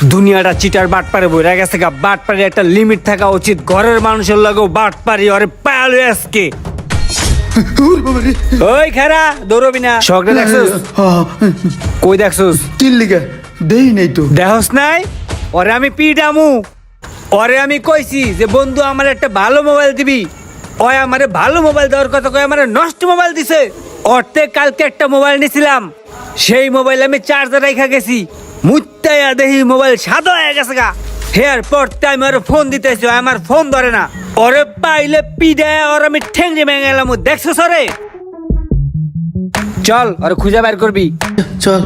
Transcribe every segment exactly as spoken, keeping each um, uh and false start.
দুনিয়াটা চিটার বাটপারে বইরা গেছে গা। বাটপারে একটা লিমিট থাকা উচিত। ঘরের মানুষের লাগেও বাটপারি ওরে পায়ালো আজকে। ওই খারা দৌড়বি না। শখটা দেখছস? কই দেখছস? তিন লিগা দেই নাই তো। দেখস নাই? ওরে আমি পিডামু। ওরে আমি কইছি যে বন্ধু আমার একটা ভালো মোবাইল দিবি। ওই আমারে ভালো মোবাইল দেওয়ার কথা কই আমারে নষ্ট মোবাইল দিছে। ওরতে কালকে একটা মোবাইল নিছিলাম, সেই মোবাইল আমি চার্জার রাইখা গেছি, মুত্তাইয়া দেখি মোবাইল সাদা হয়ে গেছে গা। হেয়ার পরতে আমি ওরে ফোন দিতেছি, আমার ফোন ধরে না। ওরে পাইলে পিডায় ওর আমি ঠেঙ্গে ভেঙে গেলাম। দেখছস ওরে? চল ওরে খুঁজে বের করবি। চল।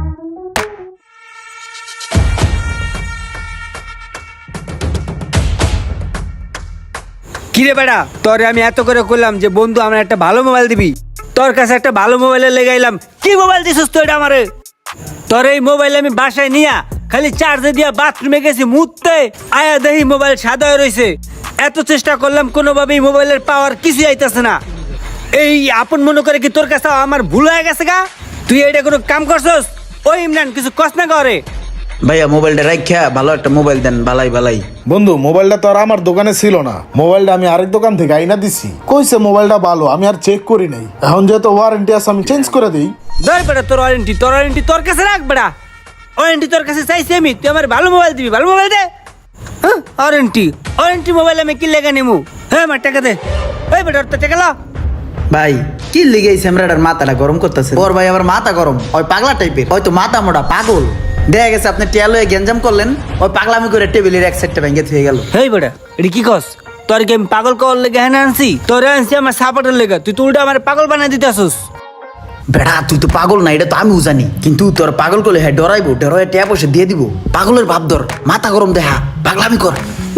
কিরে বেড়া, তোরে আমি এত করে কইলাম যে বন্ধু আমার একটা ভালো মোবাইল দিবি, তোর কাছে একটা ভালো মোবাইলে লেগাইলাম, কি মোবাইল দিছিস তুই এটা আমারে? তোর এই মোবাইল আমি বাসায় নিয়া খালি চার্জে দিয়া বাথরুমে গেছি, মুততে আয়া দেখি মোবাইল সাদা হয়ে রয়েছে। এত চেষ্টা করলাম কোনোভাবেই মোবাইলের পাওয়ার কিছু আইতাছে না। এই আপন মনে করে কি তোর কাছে আমার ভুল হয়ে গেছে গা? তুই এটা কোনো কাম করছস? ওই ইমরান কিছু কস না করে। ভাইয়া মোবাইলটা রাখা ভালো একটা মোবাইল দেন, বালাই বালাই। বন্ধু মোবাইলটা তো আর আমার দোকানে ছিল না, মোবাইলটা আমি আরেক দোকান থেকে আইনা দিছি। কইছে মোবাইলটা ভালো, আমি আর চেক করি নাই। এখন যেহেতু ওয়ারেন্টি আছে আমি চেঞ্জ করে দিই। ধর বেটা তোর ওয়ারেন্টি, তোর ওয়ারেন্টি তোর কাছে রাখ বেটা। ওয়ারেন্টি তোর কাছে চাইছি আমি, তুই আমার ভালো মোবাইল দিবি, ভালো মোবাইল দে। হ্যাঁ ওয়ারেন্টি ওয়ারেন্টি মোবাইল আমি কি লেগে নেবো? হ্যাঁ আমার টাকা দে। ওই বেটা ওর তো টাকা লো। ভাই কি লিগেছে এমরাটার মাথাটা গরম করতেছে। ওর ভাই আবার মাথা গরম, ওই পাগলা টাইপের, হয়তো মাথা মোটা পাগল। দেখা গেছে আপনি টিয়ালো গেঞ্জাম করলেন, ওই পাগলামি করে টেবিলের এক সাইডটা ভেঙে থুয়ে গেল। হেই বেটা এটা কি কস? তোর কি আমি পাগল কর লেগে হ্যাঁ আনছি? তোরে আনছি আমার সাপোর্টের লেগে, তুই তো উল্টা আমার পাগল বানাই দিতে আসুস। বেড়া তুই তো পাগল না, এটা তো আমিও জানি, কিন্তু তোর পাগল করলে হ্যাঁ ডরাইবো, ডরাই ট্যাপ বসে দিয়ে দিব। পাগলের ভাব ধর, মাথা গরম দেখা, পাগলামি কর।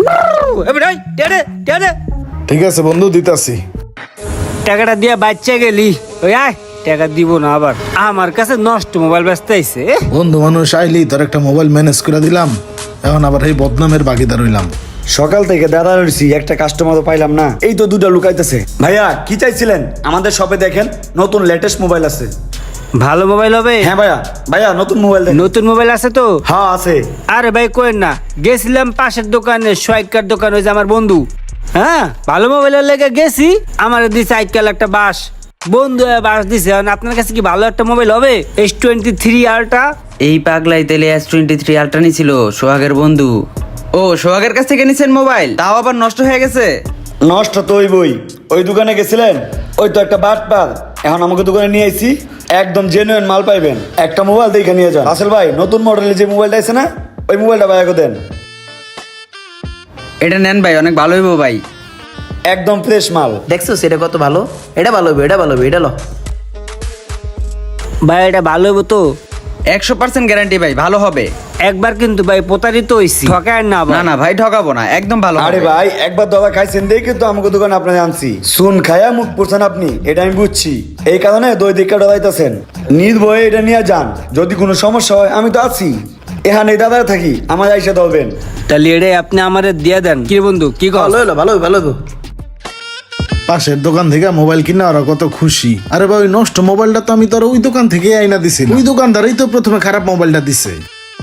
ঠিক আছে বন্ধু, দিতাছি। টাকাটা দিয়ে বাচ্চা গেলি, ওই আয় টাকা দিব না আবার। আমার কাছে নষ্ট মোবাইল ব্যস্ত আইছে। বন্ধু মানুষ আইলি তোর একটা মোবাইল ম্যানেজ করে দিলাম, এখন আবার এই বদনামের বাকিদার হইলাম। সকাল থেকে দাদা রয়েছি, একটা কাস্টমার তো পাইলাম না। এই তো দুটা লুকাইতেছে। ভাইয়া কি চাইছিলেন? আমাদের শপে দেখেন নতুন লেটেস্ট মোবাইল আছে। ভালো মোবাইল হবে? হ্যাঁ ভাইয়া, ভাইয়া নতুন মোবাইল দেখেন। নতুন মোবাইল আছে তো? হ্যাঁ আছে। আরে ভাই কোয়েন না, গেছিলাম পাশের দোকানে, সোয়াইকার দোকান, ওই যে আমার বন্ধু। হ্যাঁ ভালো মোবাইলের লেগে গেছি, আমার দিছে আইকাল একটা বাস, বন্ধু বাস দিছে। আপনার কাছে কি ভালো একটা মোবাইল হবে? S twenty three ultra. এই পাগলাই তেলে এস টোয়েন্টি থ্রি আলট্রা নিছিল সোহাগের বন্ধু। ও সোহাগের কাছ থেকে নিছেন মোবাইল, তাও আবার নষ্ট হয়ে গেছে? নষ্ট তো ওই বই, ওই দোকানে গেছিলেন, ওই তো একটা বাট পার। এখন আমাকে দোকানে নিয়ে আইছি, একদম জেনুইন মাল পাইবেন। একটা মোবাইল দেখে নিয়ে যান। আসল ভাই নতুন মডেলের যে মোবাইলটা আছে না, ওই মোবাইলটা ভাইয়াকে দেন। এটা নেন ভাই, অনেক ভালো হইব ভাই, একদম ফ্রেশ মাল। দেখছো সেটা কত ভালো, এটা ভালো হবে, এটা ভালো হবে, এটা লো। ভাই এটা ভালো হবে তো? একশো পার্সেন্ট গ্যারান্টি ভাই, ভালো হবে। একবার কিন্তু ভাই প্রতারিত হইছি, ঠকায় না না না ভাই ঠকাবো না, একদম ভালো আরে হবে। ভাই একবার দাদা খাইছেন দেখে কিন্তু আমাকে দোকানে আপনাকে আনছি। সুন খায়া মুখ পড়ছেন আপনি, এটা আমি বুঝছি। এই কারণে দই দিকটা ডরাইতেছেন। নির্ভয়ে এটা নিয়ে যান, যদি কোনো সমস্যা হয় আমি তো আছি এখানে, দাদা থাকি, আমার আইসা ধরবেন। তাহলে এটাই আপনি আমারে দিয়ে দেন। কি বন্ধু কি কল? ভালো হলো, ভালো হবে, ভালো হবে। পাশের দোকান থেকে মোবাইল কিনা ওরা কত খুশি। আরে ভাই নষ্ট মোবাইলটা তো আমি তোর ওই দোকান থেকে আইনা দিছি, ওই দোকানদারই তো প্রথমে খারাপ মোবাইলটা দিছে।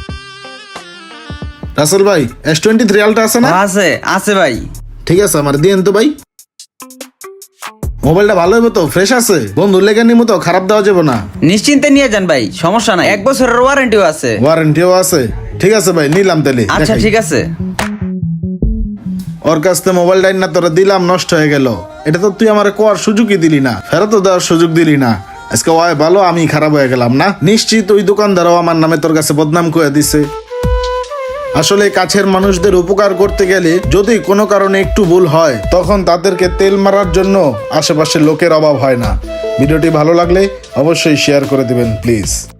রাসেল ভাই এস টোয়েন্টি থ্রি আলট্রা আছে না? আছে আছে ভাই। ঠিক আছে আমার দিয়েন তো ভাই। মোবাইলটা ভালো হবে তো? ফ্রেশ আছে? বন্ধুর লেগে নিমো তো, খারাপ দেওয়া যাবে না। নিশ্চিন্তে নিয়ে যান ভাই, সমস্যা নাই, এক বছরের ওয়ারেন্টিও আছে। ওয়ারেন্টিও আছে? ঠিক আছে ভাই নিলাম তাহলে। আচ্ছা দেখাই। ঠিক আছে। ওর কাছ থেকে মোবাইলটা না তোরা দিলাম, নষ্ট হয়ে গেল। এটা তো তুই আমার কোয়ার সুযোগই দিলি না, ফেরত দেওয়ার সুযোগ দিলি না। আজকে ওয়াই ভালো, আমি খারাপ হয়ে গেলাম না? নিশ্চিত ওই দোকানদারও আমার নামে তোর কাছে বদনাম করে দিছে। আসলে কাছের মানুষদের উপকার করতে গেলে যদি কোনো কারণে একটু ভুল হয়, তখন তাদেরকে তেল মারার জন্য আশেপাশে লোকের অভাব হয় না। ভিডিওটি ভালো লাগলে অবশ্যই শেয়ার করে দিবেন প্লিজ।